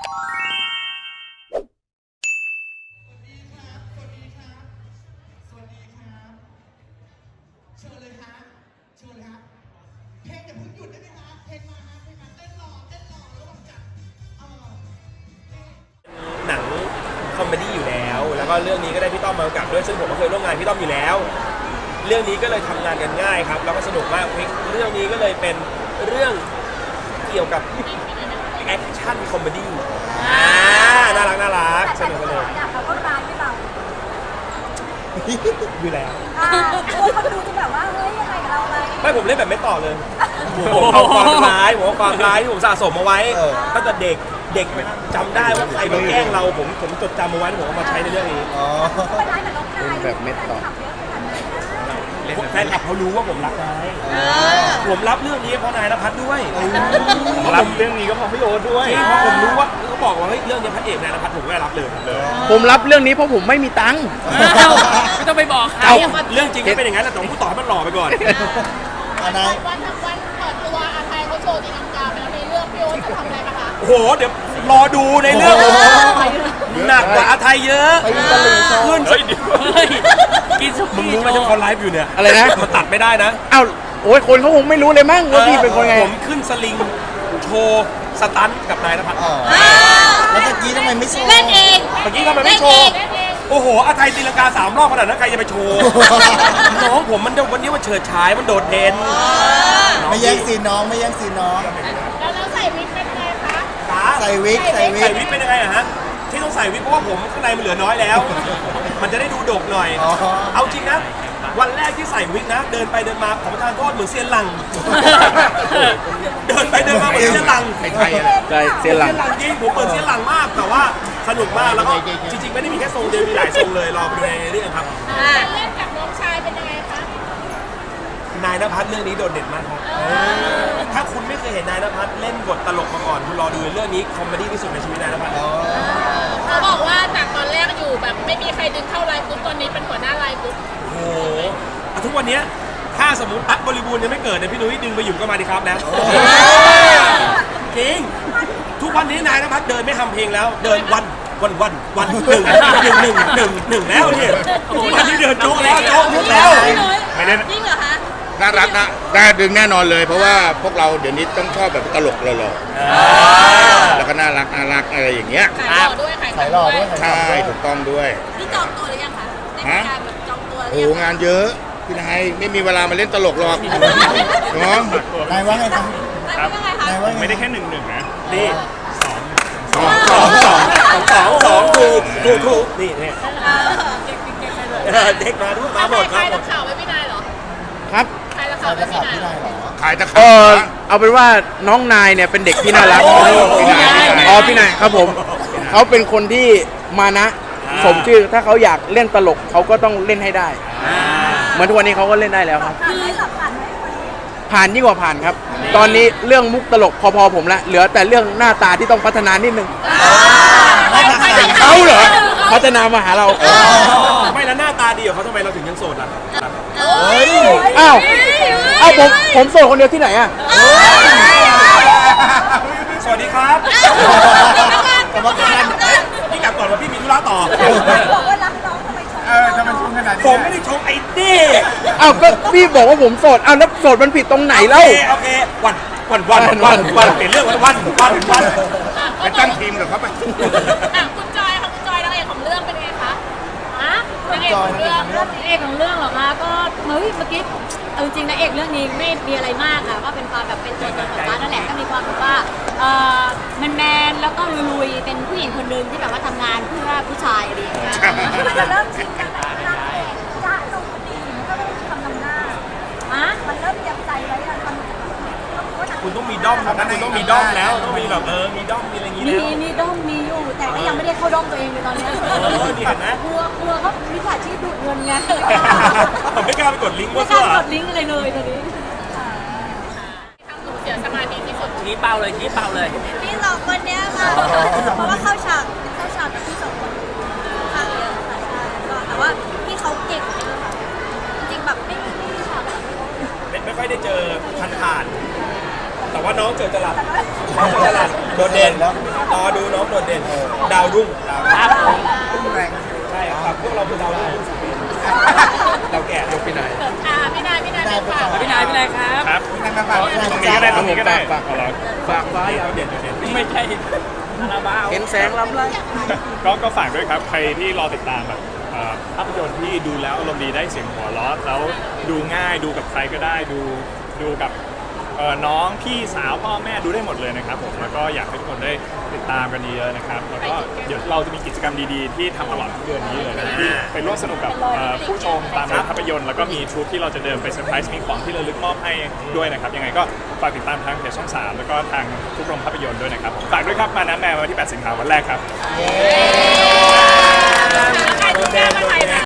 เชิญเลยฮะเชิญเลยฮะเพลงอย่าเพิ่งหยุดได้ไหมฮะเพลงมาฮะเพลงมาเต้นหล่อระหว่างจัดหนังคอมเมดี้อยู่แล้วแล้วก็เรื่องนี้ก็ได้พี่ต้อมมากำกับด้วยซึ่งผมก็เคยร่วมงานพี่ต้อมอยู่แล้วเรื่องนี้ก็เลยทำงานกันง่ายครับแล้วก็สนุกมากเรื่องนี้ก็เลยเป็นเรื่องเกี่ยวกับแอคชั่นคอมเมดี้น่ารักสนุกสนุกอยากเขาก็ร้ายไม่เราอยู่แล้วคนดูจะแบบว่าเฮ้ยยังไงกับเราไหมไม่ผมเล่นแบบไม่ต่อเลยผมเอาความร้ายที่ผมสะสมมาไว้ตั้งแต่เด็กจำได้ว่าใครมาแกล้งเราผมจดจำมาไว้ผมเอามาใช้ในเรื่องนี้เป็นร้ายแบบน้องนายแบบไม่ต่อแฟนคลับเขารู้ว่าผมรักนายผมรับเรื่องนี้เพราะนายณภัทรด้วยรับเรื่องนี้ก็เพราะพี่โอ๊ตด้วยเพราะผมรู้ว่าเขาบอกว่าเฮ้ยเรื่องนี้พระเอกนายณภัทรผมก็รับเลยผมรับเรื่องนี้เพราะผมไม่มีตังค์ไม่ต้องไปบอกใครเรื่องจริงก็เป็นอย่างนั้นแหละแต่ผมต่อให้มันหล่อไปก่อนวันเปิดตัวอาไทยเขาโชว์ตีลังกาไปแล้วในเรื่องพี่โอ๊ตจะทำอะไรคะโอ้โหเดี๋ยวรอดูในเรื่องหนักกว่าอาไทยเยอะขึ้นกินสุมึงรู้ไหมที่เขาไลฟ์อยู่เนี่ยอะไรนะมันตัดไม่ได้นะอ้าวโอ้ยคนเขาคงไม่รู้เลยมั้งว่าพี่เป็นคนไงผมขึ้นสลิงโชว์สตันกับนายณภัทรแล้วเมื่อกี้ทำไมไม่โชว์เล่นเองเมื่อกี้ทำไมไม่โชว์โอ้โหอาไทยตีลังกา3 รอบขนาดนั้นใครจะไปโชว์น้องผมมันวันนี้มันเฉิดฉายมันโดดเด่นไม่แย่งซีนน้องแล้วใส่วิกเป็นไงคะใส่วิกเป็นยังไงอะฮะที่ต้องใส่วิกเพราะว่าผมข้างในมันเหลือน้อยแล้วมันจะได้ดูดกหน่อยเอาจริงนะวันแรกที่ใส่วิกนะเดินไปเดินมาขอประทานโทษเหมือนเซียนหลังเดินไปเดินมาเหมือนเซียนหลังใช่เซียนหลังจริงผมเปิดเซียนหลังมากแต่ว่าสนุกมากแล้วก็จริงๆไม่ได้มีแค่ทรงเดียวมีหลายทรงเลยรอไปดูในเรื่องครับเล่นกับน้องชายเป็นยังไงคะนายณภัทรเรื่องนี้โดดเด่นมากครับถ้าคุณไม่เคยเห็นนายณภัทรเล่นบทตลกมาก่อนคุณรอดูเรื่องนี้คอมเมดี้ที่สุดในชีวิตนายณภัทรเขาบอกว่าจากตอนแรกอยู่แบบไม่มีใครดึงเข้าไลน์กรุ๊ปตอนนี้เป็นหัวหน้าไลน์กรุ๊ปโอ้โหทุกวันนี้ถ้าสมมติตั๊กบริบูรณ์ยังไม่เกิดเนี่ยพี่นุ้ยดึงไปอยู่ก็มาดีครับแล้วจริงทุกวันนี้นายณภัทรเดินไม่ทำเพลงแล้วเดินวันหนึ่งแล้วเนี่ยวันนี้เดินโจ๊กแล้วไม่ได้จริงเหรอคะน่ารักนะได้ดึงแน่นอนเลยเพราะว่าพวกเราเดี๋ยวนี้ต้องชอบแบบตลกหล่อแล้วก็น่ารักอะไรอย่างเงี้ยขายหล่อด้วยใช่ถูกต้องด้วยนี่จองตัวหรือยังคะในการแบบจองตัวโอ้งานเยอะพี่นายไม่มีเวลามาเล่นตลกหรอกเนาะนายว่าไงครับไม่ได้แค่1-1นะนี่2ถูกนี่เนี่ยเด็กมาด้วยมาหมดครับใครข่าวไว้พี่นายเหรอครับใครข่าวไว้พี่นายเหรอขายตะขาบเอาเป็นว่าน้องนายเนี่ยเป็นเด็กที่น่ารักพี่นายครับผมเขาเป็นคนที่มานะสมชื่อถ้าเขาอยากเล่นตลกเขาก็ต้องเล่นให้ได้เหมือนทุกวันนี้เขาก็เล่นได้แล้วครับผ่านยิ่งกว่าผ่านครับตอนนี้เรื่องมุกตลกพอผมละเหลือแต่เรื่องหน้าตาที่ต้องพัฒนานิดนึงเขาเหรอพัฒนามาหาเราไม่แล้วหน้าตาดีของเขาทำไมเราถึงยังโสดล่ะอ้าวผมโสดคนเดียวที่ไหนอ่ะสวัสดีครับพี่กลับก่อนว่าพี่มีธุระต่อบอกว่ารักน้องทำไมชงขนาดนี้ผมไม่ได้ชงไอ้นี่อ้าวก็พี่บอกว่าผมโสดอ้าวแล้วโสดมันผิดตรงไหนเล่าโอเควันเปลี่ยนเรื่องวันไปตั้งทีมกับเขาไปคุณจอยนางเอกของเรื่องเป็นไงคะนางเอกของเรื่องเหรอคะก็เฮ้ยเมื่อกี้จริงๆนางเอกเรื่องนี้ไม่มีอะไรมากค่ะก็เป็นความแบบเป็นตัวตนของร้านนั่นแหละก็มีความแบบว่าแมนแล้วก็ลุยๆเป็นผู้หญิงคนนึงที่แบบว่าทำงานเพื่อผู้ชายอะไรอย่างเงี้ยมันจะเริ่มชินกันนางเอกจ้าลงดีมันก็ต้องทำหน้ามันเริ่มเตรียมใจไว้แล้วคุณต้องมีด้อมนะคุณต้องมีด้อมแล้วต้องมีแบบมีด้อมมีอะไรอย่างงี้แล้วมีด้อมมีอยู่แต่ก็ยังไม่ได้เข้าด้อมตัวเองเลยตอนนี้นี่เห็นไหมกลัวเขามิจฉาชีพดูดเงินไงผมไม่กล้าไปกดลิงก์ว่าไม่กล้ากดลิงก์อะไรเลยตอนนี้ทำหนูเสียสมาธิที่สุดชี้เป้าเลยพี่สองคนเนี้ยค่ะเพราะว่าเข้าฉากกับพี่สองคนข้างเยอะค่ะใช่ก็แต่ว่าพี่เขาเก่งเลยค่ะจริงแบบไม่ฉากไม่ค่อยได้เจอผ่านแต่ว่าน้องเจอจรัสโดดเด่นรอดูน้องโดดเด่นดาวรุ่งครับใช่ครับพวกเราคือดาวรุ่งเราแก่ยกพี่นายพี่นายเป็นฝากพี่นายครับครับตรงนี้ก็ได้ตรงนี้ก็ได้ฝากไว้ดาวเด่นดาวเด่นไม่ใช่คาราบาวเห็นแสงลำไรก็ฝากด้วยครับ ใครที่รอติดตามแบบภาพยนตร์ที่ดูแล้วอารมณ์ดีได้เสียงหัวเราะแล้วดูง่ายดูกับใครก็ได้ดูกับน้องพี่สาวพ่อแม่ดูได้หมดเลยนะครับผมแล้วก็อยากให้ทุกคนได้ติดตามกันเยอะๆนะครับแล้วก็เดี๋ยวเราจะมีกิจกรรมดีๆที่ทำตลอดทั้งเดือนนี้เลยนะที่ไปร่วมสนุกกับผู้ชมตามโรงภาพยนตร์แล้วก็มีทรูปที่เราจะเดินไปเซอร์ไพรส์มีของที่ระลึกมอบให้ด้วยนะครับยังไงก็ฝากติดตามทางเพจช่อง 3 แล้วก็ทางทุกโรงภาพยนตร์ด้วยนะครับฝากด้วยครับมาน้ำแมววันที่ 8 สิงหาคมวันแรกครับใครดูแลมาใครนะ